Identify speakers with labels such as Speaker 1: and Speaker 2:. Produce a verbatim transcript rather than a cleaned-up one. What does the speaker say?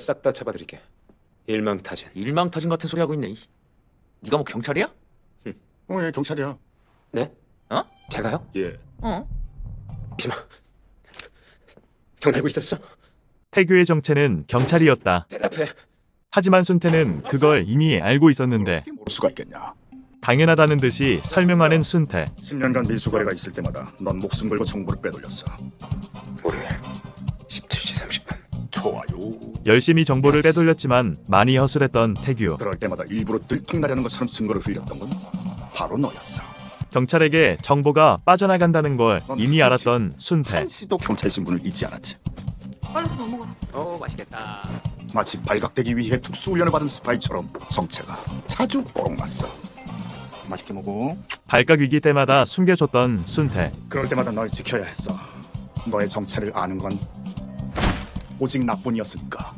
Speaker 1: 싹 다 잡아드릴게. 일망타진.
Speaker 2: 일망타진 같은 소리 하고 있네. 네가 뭐 경찰이야?
Speaker 3: 어, 예, 경찰이야.
Speaker 1: 네?
Speaker 2: 어?
Speaker 1: 제가요?
Speaker 3: 예.
Speaker 2: 어?
Speaker 1: 이지마. 형 알고 있었어?
Speaker 4: 태규의 정체는 경찰이었다.
Speaker 1: 대답해.
Speaker 4: 하지만 순태는 그걸 이미 알고 있었는데
Speaker 3: 어떻게 모를 수가 있겠냐.
Speaker 4: 당연하다는 듯이 설명하는 순태.
Speaker 3: 십 년간 밀수거래가 있을 때마다 넌 목숨 걸고 정보를 빼돌렸어.
Speaker 1: 월요일 십칠 시 삼십 분.
Speaker 3: 좋아요.
Speaker 4: 열심히 정보를 빼돌렸지만 많이 허술했던 태규.
Speaker 3: 그럴 때마다 일부러 들통나려는 것처럼 증거를 흘렸던 건 바로 너였어.
Speaker 4: 경찰에게 정보가 빠져나간다는 걸 이미 알았던 순태.
Speaker 3: 한시도 경찰 신분을 잊지 않았지.
Speaker 5: 빨리 좀 먹어.
Speaker 2: 어 맛있겠다.
Speaker 3: 마치 발각되기 위해 특수훈련을 받은 스파이처럼 성체가 자주 뽀록났어. 맛있게 먹어.
Speaker 4: 발각 위기 때마다 숨겨줬던 순태.
Speaker 3: 그럴 때마다 널 지켜야 했어. 너의 정체를 아는 건 오직 나뿐이었으니까.